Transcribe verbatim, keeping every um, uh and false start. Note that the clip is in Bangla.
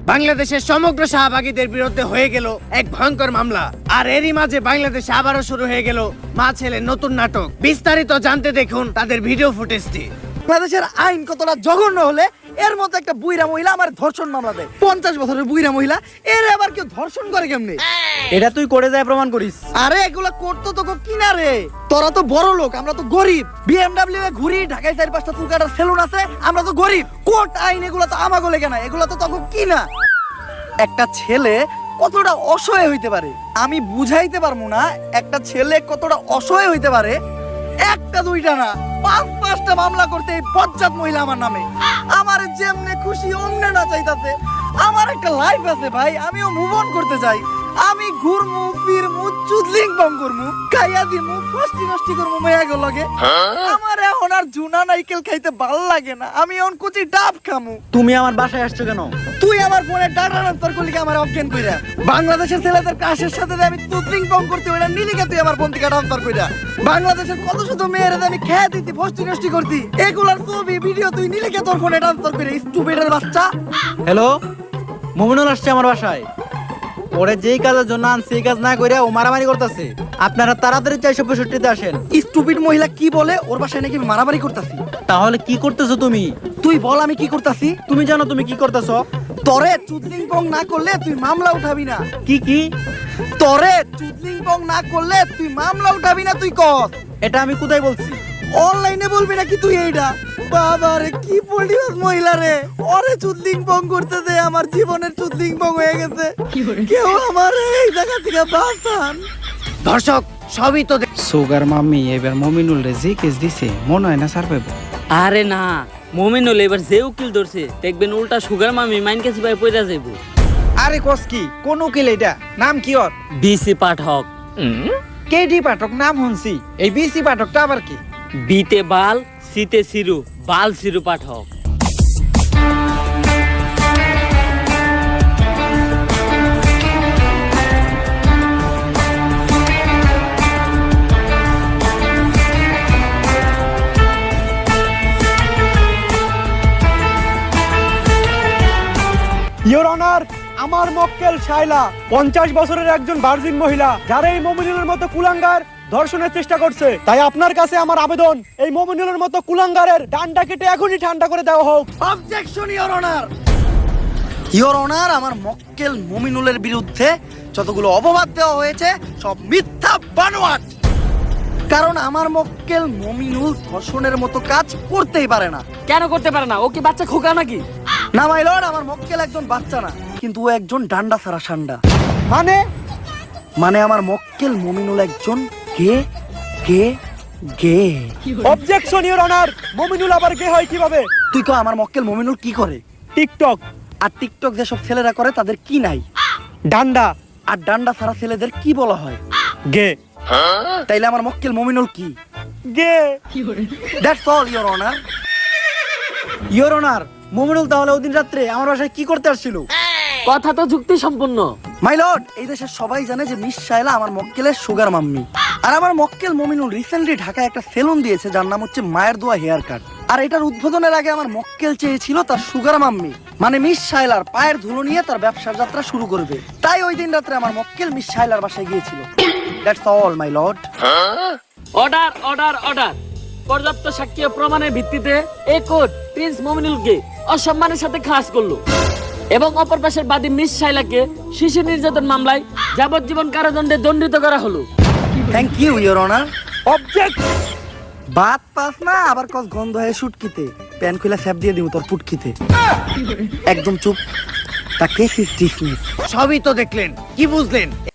বাংলাদেশের সমগ্র শাহবাগীদের বিরুদ্ধে হয়ে গেল এক ভয়ঙ্কর মামলা। আর এরই মাঝে বাংলাদেশে আবারও শুরু হয়ে গেল মা ছেলের নতুন নাটক। বিস্তারিত জানতে দেখুন তাদের ভিডিও ফুটেজটি। বাংলাদেশের আইন কতটা জঘন্য হলে এর মতো একটা বুইরা মহিলা আমার ধর্ষণ মামলা দেয়। পঞ্চাশ বছরের বুইরা মহিলা এর আবার কেউ ধর্ষণ করে কেমনে? এটা তুই করে যায় প্রমাণ করিস। আরে এগুলা করতো তো কিনা রে, তোরা তো বড় লোক, আমরা তো গরিব। বিএমডব্লিউ এ ঘুরি, ঢাকায় চার পাঁচটা চুল কাটার সেলুন আছে, আমরা তো গরিব। কোর্ট আইন এগুলা তো আমাগো লেগে না, এগুলা তো তখন কিনা। একটা ছেলে কতটা অসহায় হইতে পারে আমি বুঝাইতে পারবো না। একটা ছেলে কতটা অসহায় হইতে পারে, একটা দুইটা না পাঁচ পাঁচটা মামলা করতে এই বজ্জাত মহিলা আমার নামে। আমার যেমনে খুশি অমনে না চাইতাছে। আমার একটা লাইফ আছে ভাই, আমিও মুভ অন করতে চাই। আমি ঘুরমু ফিরমু চুদলিং বং করমু, খাইয়া দিমু ফষ্টি নষ্টি করমু মেয়াগো লগে। আমার এখন আর জুনা নাইকেল খাইতে ভাল লাগে না, আমি এখন কুচি ডাব খামু। তুমি আমার বাসায় আসছো কেন? তুই আমার ফোনে ডাটা ট্রান্সফার করলি কি আমার অজ্ঞান কইরা? বাংলাদেশের ছেলেদের কাশের সাথে যে আমি চুদলিং বং করতে ওইটা নিলি কে তুই আমার ফোন থেকে ট্রান্সফার কইরা? বাংলাদেশের কত শুধু মেয়েরা আমি খেয়ে দিতি ফষ্টি নষ্টি করতি, এগুলার ছবি ভিডিও তুই নিলি কে তোর ফোনে ট্রান্সফার করে? স্টুপিডের বাচ্চা। হ্যালো, মুমিনুল আসছে আমার বাসায়। ওরে যেই কাজের জন্য আনছি সেই কাজ না কইরা ও মারামারি করতেছে। আপনারা তাড়াতাড়ি চারশো পঁয়ষট্টিতে আসেন। স্টুপিড মহিলা কি বলে ওর বাসায় নাকি আমি মারামারি করতাছি? তাহলে কি করতেছো তুমি? তুই বল আমি কি করতাছি? তুমি জানো তুমি কি করতেছো? তরে চুদলিং বং না করলে তুই মামলা উঠাবি না। কি কি? তরে চুদলিং বং না করলে তুই মামলা উঠাবি না। তুই কর। এটা আমি কোথায় বলছি? অনলাইনে বলবি নাকি তুই এইটা? বাবা রে কি পল্টিবাস মহিলা রে, ওরে চুদলিং বং করতে দে। আমার জীবনের চুদলিং বং হয়ে গেছে, কেউ আমার এই জায়গা থেকে বাঁচান। দর্শক সবই তো দেখ- সুগার মাম্মি এবার মমিনুল রে যে কেস দিছে মনে হয় না সার পাইব। আরে না, মমিনুল এবার যে উকিল ধরছে দেখবেন উল্টা সুগার মামি মাইন কাছে ভাই পয়রা যাইব। আরে কস কি কোন উকিল এটা? নাম কি ওর? বিসি পাঠক। কেডি পাঠক নাম শুনছি, এই বিসি পাঠকটা আবার কি? বিতে বাল, সিতে সিরু, বাল সিরু পাঠক। ইওর অনার, আমার মক্কেল শাইলা পঞ্চাশ বছরের একজন ভার্জিন মহিলা, যারা এই মমিনুলের মতো কুলাঙ্গার ধর্ষণের চেষ্টা করছে। তাই আপনার কাছে আমার আবেদন, এই মমিনুলের মতো কুলাঙ্গারের ডান্ডা কেটে এখনই ঠান্ডা করে দেওয়া হোক। Objection your honour. Your honour, আমার মক্কেল মমিনুলের বিরুদ্ধে যতগুলো অপবাদ দেওয়া হয়েছে সব মিথ্যা বানোয়াট। কারণ আমার মক্কেল মমিনুল ধর্ষণের মতো কাজ করতেই পারে না। কেন করতে পারে না? ও কি বাচ্চা খোকা নাকি? না মাই লর্ড, আমার মক্কেল একজন বাচ্চা না, কিন্তু ও একজন ডান্ডা ছাড়া সান্ডা। মানে মানে আমার মক্কেল মমিনুল একজন gay gay gay. Objection your honour, Mominul আবার গে হয় কিভাবে? তুই কো আমার মক্কেল মমিনুল কি করে? টিকটক। আর টিকটক যেসব ছেলেরা করে তাদের কি নাই? ডান্ডা। আর ডান্ডা ছাড়া ছেলেদের কি বলা হয়? গে। তাইলে আমার মক্কেল মমিনুল কি? Gay. That's all your honour. Your honour, Muminul তাহলে ওদিন রাত্রে আমার বাসায় কি করতে আসছিল? কথা তো যুক্তি সম্পূর্ণ। মাই লর্ড, এই দেশের সবাই জানে যে মিস শাইলা আমার মক্কেলের সুগার মাম্মি। আর আমার মক্কেল মমিনুল রিসেন্টলি ঢাকায় একটা সেলুন দিয়েছে যার নাম হচ্ছে মায়ের দোয়া হেয়ার কাট। আর এটার উদ্বোধনের আগে আমার মক্কেল চেয়েছিল তার সুগার মাম্মি মানে মিস শাইলার পায়ের ধুলো নিয়ে তার ব্যবসার যাত্রা শুরু করবে। তাই ওই দিন রাত্রে আমার মক্কেল মিস শাইলার বাসায় গিয়েছিল। That's all my lord. Order order order. পর্যাপ্ত সাক্ষী ও প্রমাণের ভিত্তিতে এই কোর্ট প্রিন্স মমিনুলকে অসম্মানের সাথে খালাস করলো এবং অপর পাশের বাদী মিস শাইলাকে শিশু নির্যাতন মামলায় যাবজ্জীবন কারাদণ্ডে দণ্ডিত করা হলো। Thank you your honour. Object. বাত পাস না আবার কস গন্ধ হয়ে শুটকিতে প্যান খুলে স্যাপ দিয়ে দিব তোর পুটকিতে। একদম চুপ। তা কেস ইজ ডিসমিস। সবই তো দেখলেন, কি বুঝলেন?